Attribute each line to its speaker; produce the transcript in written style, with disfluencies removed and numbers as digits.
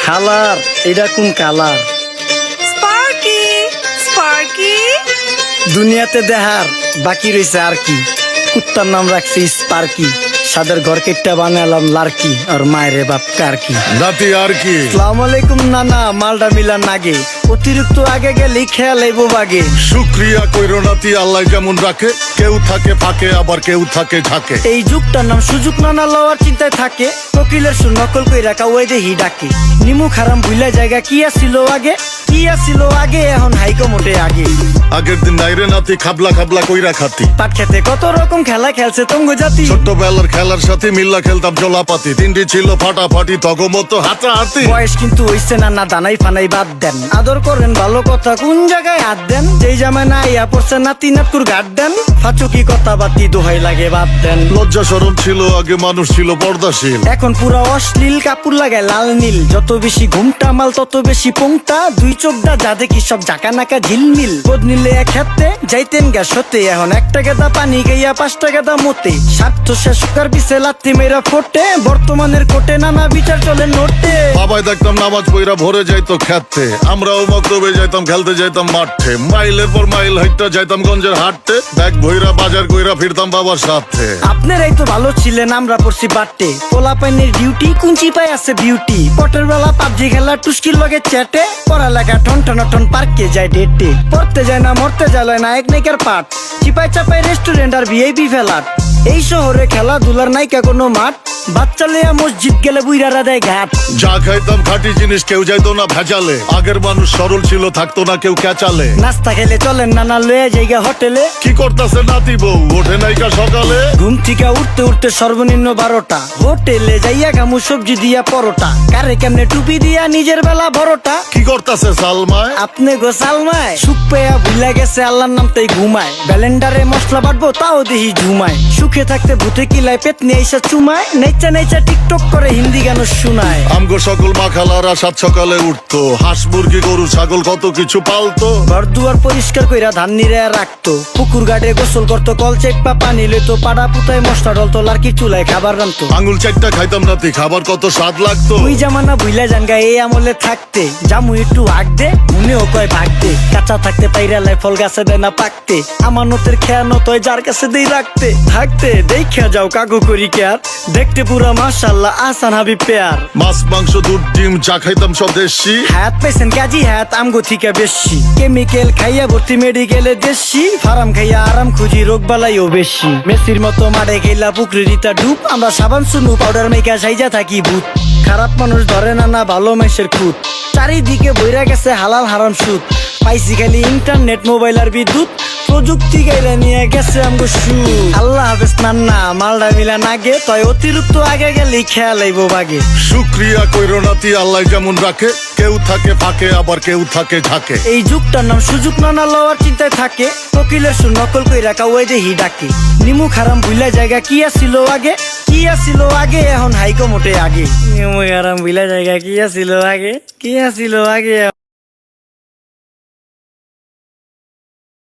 Speaker 1: খালার এটা কোন কালার?
Speaker 2: স্পার্কি স্পার্কি
Speaker 1: দুনিয়াতে দেহার বাকি রয়েছে আর কি। কুত্তার নাম রাখছি স্পার্কি, সাদের ঘর কেটটা বানালাম লার্কি, আর মায়ের বাপ কারকি।
Speaker 3: নাতি আর কি?
Speaker 1: আসসালামু আলাইকুম নানা, মালডা মিলা নাগে, অতিরিক্ত আগে গেলে খেয়াল আইবো বাগে।
Speaker 3: শুক্রিয়া কইরো নাতি, আল্লাহ যেমন রাখে, কেউ থাকে ফাঁকে আবার কেউ থাকে ঝাঁকে।
Speaker 1: এই যুগটার নাম সুযোগ নানা লওয়ার চিন্তায় থাকে, কোকিলের সুর নকল কই রাখা ওই দেহি ডাকে। নিমু খারাম ভুলা জায়গা কি আসিল আগে, কি আসিল আগে, এখন হাইকো মোটে আগে।
Speaker 3: আগের দিন নাইরে নাতি খাবলা খাবলা কইরা খাতি,
Speaker 1: পাট খেতে কত রকম খেলা খেলছে তঙ্গ জাতি।
Speaker 3: ছোট্টবেলার খেলার সাথে মিল্লা খেলতাম জলাপাতি, তিনটি ছিল ফাটাফাটি তগমতো হাতাহাতি।
Speaker 1: বয়স কিন্তু হইছে না, না দানাই ফানাই বাদ দেন, আদর করেন ভালো কথা কোন জায়গায় হাত দেন। যেই জামায় না ইয়া পড়ছে নাতি নাতকুর গাট দেন, ফাচুকি কথা বাতি দোহাই লাগে বাদ দেন।
Speaker 3: লজ্জা শরম ছিল আগে, মানুষ ছিল পর্দাশীল,
Speaker 1: এখন পুরো অশ্লীল কাপড় লাগায় লাল নীল। যত বেশি ঘুমটা মাল তত বেশি পোংটা, দুই চোখটা যা দেখি সব জাকা নাকা ঝিলমিল। বোধ নিলে এক হাতে যাইতেন গ্যাস হতে, এখন একটা গেদা পানি গাইয়া 5টা গেদা মতে। স্বার্থ শেষ কার পিছে লাত্তি মেয়েরা ফোটে, বর্তমানের কোটে নানা বিচার চলে নোটে।
Speaker 3: বাবাই দেখতাম নামাজ পইরা ভরে যাইতো খেতে, আমরাও মক্তবে যাইতাম খেলতে যাইতাম মাঠে। মাইলের পর মাইল হাইটটা যাইতাম গঞ্জের হাটতে, ব্যাগ ভইরা বাজার কইরা ফিরতাম বাবার সাথে।
Speaker 1: আপনারাই তো ভালো ছিলেন, আমরা পড়ছি বাট্টে। পোলা পাইনের ডিউটি কুঞ্চি পাই আছে বিউটি, পটের বেলা পাবজি খেলা টুস্কির লগে চ্যাটে। পড়ালেখা ঠন ঠন ঠন পার্কে যায় ডেটে, পড়তে যায় না মরতে যায় নায়ক নায়িকার পাঠ। চিপাই চাপাই রেস্টুরেন্ট আর ভিআইপি ফেলাট, এই শহরে খেলাধুলার নাইকা কোনো মাঠ। বাচ্চা লেয়া মসজিদ গেলে বুইরারা দেয় ঘাট।
Speaker 3: যা খাইতাম খাঁটি জিনিস, কেউ যাইতো না ভেজালে। আগের মানুষ সরল ছিল, থাকতো না কেউ ক্যাচালে।
Speaker 1: নাস্তা খেলে চলেন নানা লয়ে জায়গা হোটেলে।
Speaker 3: কি করতাছে নাতি বউ, ওঠে নাইকা সকালে?
Speaker 1: ঘুম থেকে উঠতে উঠতে সর্বনিম্ন 12টা, হোটেলে যাইয়া গামু সবজি দিয়া পরোটা। কারে কেমনে টুপি দিয়া নিজের বেলা বড়টা।
Speaker 3: কি করতাছে সালমায়?
Speaker 1: আপনি গোসালমায় সুখ পেয়া ভুলা গেছে আল্লাহর নাম তাই ঘুমায়। ব্যালেন্ডারে মশলা বাটবো তাও দেহি ঝুমায়। সুখে থাকতে ভূতে কিলায় পেট নিয়ে এসে চুমায়। নেচা নেচা টিকটক করে হিন্দি গান শুনায়।
Speaker 3: আমগো সকল মাখালারা সাত সকালে উঠতো, হাঁস মুরগি গরু ছাগল কত কিছু পালতো।
Speaker 1: ঘর দুয়ার পরিষ্কার কইরা ধান নিরে রাখতো, পুকুর গাড়ে গোসল করতো, কল চেপা পানি লইতো। পাড়া পুতায় মশলা ডলতো, লার্কি চুলায় খাবার রান্তো।
Speaker 3: আঙুল চারটা খাইতাম নাতি, খাবার কত স্বাদ লাগতো।
Speaker 1: ওই জামানা ভুইলা জানগা এই আমলে থাকতে, জামু একটু আগ দে মনেও কয় ভাগ দে। কাঁচা থাকতে পাইরালায় ফল গাছে দেয় না পাকতে, আমানতের খেয়ানো তয় যার কাছে দেই রাখতে। থাকতে দেখা যাও কাগু করি কেয়ার, দেখতে পুরা মাশাআল্লাহ আসান হাবিব পেয়ার।
Speaker 3: মাছ মাংস দুধ ডিম চা খাইতাম সব দেশি,
Speaker 1: হাত পেছেন কাজী হাত আমগো থিকা বেশি। কেমিক্যাল খাইয়া ভর্তি মেডিকেলে দেশি, ফার্ম খাইয়া আরাম খুঁজি রোগ বালাইও বেশি। মেসির মতো মাঠে গেলা পুকুরে রিতা ডুব, আমরা সাবান সুনু পাউডার মেকা সাইজা থাকি ভূত। খারাপ মানুষ ধরে না না ভালো মেসের খুঁত, চারিদিকে বইরা গেছে হালাল হারাম সুদ। পাইছি খালি ইন্টারনেট মোবাইল আর বিদ্যুৎ, প্রযুক্তি গাইলা নিয়ে গেছে আমগো সু। আল্লাহ হাফেজ নান্না, মালডা মিলা নাগে, তয় অতিরিক্ত আগে গেলেই খেয়াল আইবো বাগে।
Speaker 3: শুক্রিয়া কইরো নাতি, আল্লাহ যেমন রাখে, কেউ থাকে ফাঁকে আবার কেউ থাকে ঝাঁকে।
Speaker 1: এই যুগটার নাম সুযোগ নানা লওয়ার চিন্তায় থাকে, কোকিলের সুর নকল কই রাখা ওই দেহি ডাকে। নিমু খারাম ভুলা জায়গা কি আসিল আগে, কি আসিল আগে, এখন হাইকো মোটে আগে। নিমু খারাম ভুলা জায়গা কি আসিল আগে, কি আসিল আগে।